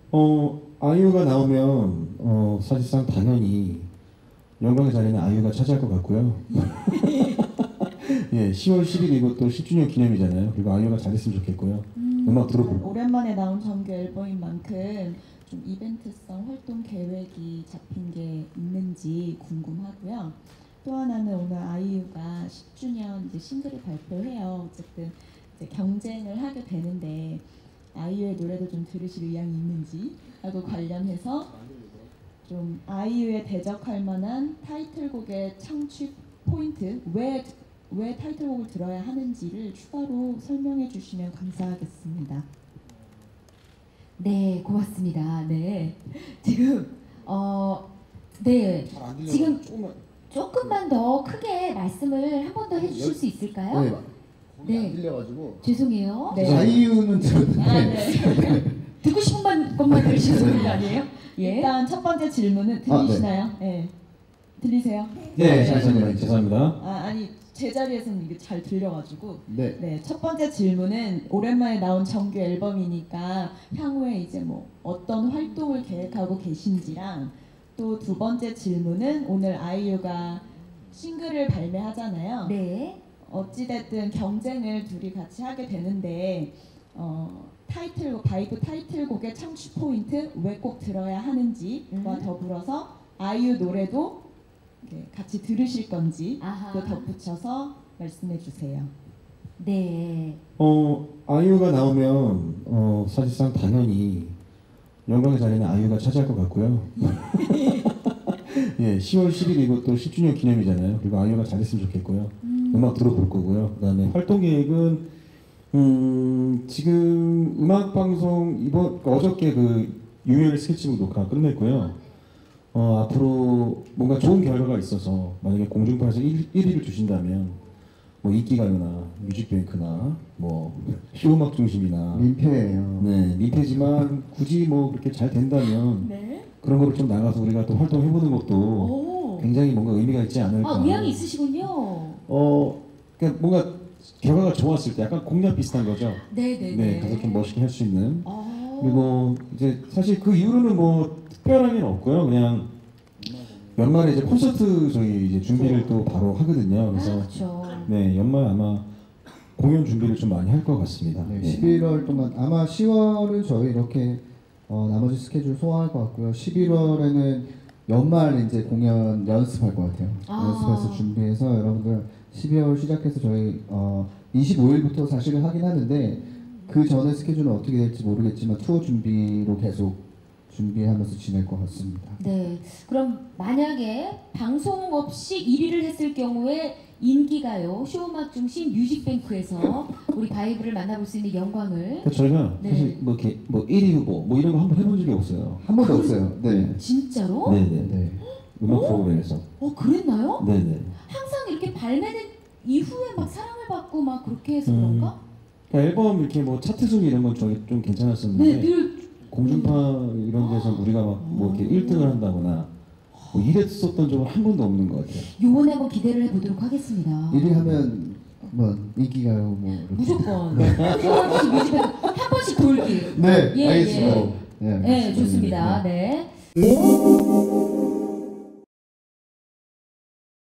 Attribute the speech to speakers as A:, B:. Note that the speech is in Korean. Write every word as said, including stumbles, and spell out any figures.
A: 어, 아이유가 나오면 어, 사실상 당연히 영광의 자리는 아이유가 차지할 것 같고요. 예, 시월 십일이고 또 십 주년 기념이잖아요. 그리고 아이유가 잘했으면 좋겠고요.
B: 음,
A: 음악 들어보고.
B: 오랜만에 나온 정규 앨범인 만큼 좀 이벤트성 활동 계획이 잡힌 게 있는지 궁금하고요. 또 하나는 오늘 아이유가 십 주년 이제 싱글을 발표해요. 어쨌든 이제 경쟁을 하게 되는데 아이유의 노래도 좀 들으실 의향이 있는지 하고 관련해서 좀 아이유에 대적할 만한 타이틀곡의 창취 포인트, 왜, 왜 타이틀곡을 들어야 하는지를 추가로 설명해 주시면 감사하겠습니다.
C: 네, 고맙습니다. 네, 지금 어, 네, 지금
D: 조금만
C: 조금만 더 크게 말씀을 한 번 더 해주실 수 있을까요?
D: 네.
C: 네.
D: 안 들려가지고.
C: 죄송해요.
B: 네.
D: 아이유는
B: 아,
D: 들었는데
B: 네.
C: 듣고 싶은 것만 들으시는 거 아니에요? 예.
B: 일단 첫 번째 질문은 들리시나요? 네. 들리세요?
A: 네, 잠시만요. 죄송합니다.
B: 아, 아니 제 자리에서는 이게 잘 들려가지고.
D: 네.
B: 네, 첫 번째 질문은 오랜만에 나온 정규 앨범이니까 향후에 이제 뭐 어떤 활동을 계획하고 계신지랑, 또 두 번째 질문은 오늘 아이유가 싱글을 발매하잖아요.
C: 네.
B: 어찌됐든 경쟁을 둘이 같이 하게 되는데 어, 타이틀곡, 바이브 타이틀곡의 창취 포인트 왜 꼭 들어야 하는지와
C: 음.
B: 더불어서 아이유 노래도 이렇게 같이 들으실 건지
C: 아하.
B: 또 덧붙여서 말씀해 주세요.
C: 네.
A: 어, 아이유가 나오면 어, 사실상 당연히 영광의 자리는 아이유가 차지할 것 같고요. 예, 시월 십일이고 또 십 주년 기념이잖아요. 그리고 아이유가 잘했으면 좋겠고요.
C: 음.
A: 음악 들어볼 거고요. 그다음에 활동 계획은 음, 지금 음악 방송 이번 어저께 그 유일 스케치북 녹화 끝냈고요. 어, 앞으로 뭔가 좋은 결과가 있어서 만약에 공중파에서 일 위를 주신다면 뭐 인기가요나 뮤직뱅크나 뭐 쇼음악 중심이나
D: 민폐예요.
A: 네, 민폐지만 굳이 뭐 그렇게 잘 된다면
C: 네.
A: 그런 거를 좀 나가서 우리가 또 활동해보는 것도
C: 오.
A: 굉장히 뭔가 의미가 있지 않을까.
C: 아, 의향이 있으시군요.
A: 어, 그러니까 뭔가 결과가 좋았을 때 약간 공략 비슷한 거죠.
C: 네네네.
A: 네, 가서 좀 멋있게 할 수 있는.
C: 아.
A: 그리고 이제 사실 그 이후로는 뭐 특별한 게 없고요. 그냥 연말에 이제 콘서트 저희 이제 준비를 또 바로 하거든요. 그래서
C: 아, 그렇죠.
A: 네, 연말 아마 공연 준비를 좀 많이 할 것 같습니다.
D: 네,
A: 네.
D: 십일월 동안 아마 시월은 저희 이렇게 어, 나머지 스케줄 소화할 것 같고요. 십일월에는 연말 이제 공연 연습할 것 같아요.
C: 아.
D: 연습해서 준비해서 여러분들 십이월 시작해서 저희 어, 이십오일부터 사실은 하긴 하는데 그 전에 스케줄은 어떻게 될지 모르겠지만 투어 준비로 계속 준비하면서 지낼 것 같습니다.
C: 네. 그럼 만약에 방송 없이 일 위를 했을 경우에 인기가요, 쇼음악 중심 뮤직뱅크에서 우리 바이브를 만나볼 수 있는 영광을.
A: 그러니까 저희가
C: 네.
A: 사실 뭐 이렇게 뭐 일 위 후보 뭐 이런 거 한번 해본 적이 없어요.
D: 한 번도 없어요. 네.
C: 진짜로?
A: 네네.
D: 네.
A: 음악 프로그램에서.
C: 어, 그랬나요?
A: 네네.
C: 항상 이렇게 발매된 이후에 막 사랑을 받고 막 그렇게 해서
A: 음.
C: 그런가?
A: 그러니까 앨범 이렇게 뭐 차트 순위 이런 건 저희 좀 괜찮았었는데
C: 네, 늘
A: 공중파 이런 데서 우리가 막 뭐 이렇게 일 등을 한다거나 뭐 이랬었던 적은 한 번도 없는 것 같아요.
C: 요번에 한번 기대를 해보도록 하겠습니다.
D: 일 위 하면 뭐 인기가요 뭐 이렇게.
C: 무조건. 쇼음악 중심 뮤직뱅크 한 번씩 돌기.
D: 네,
C: 예,
D: 알겠습니다.
C: 예.
D: 네,
C: 네, 좋습니다. 네.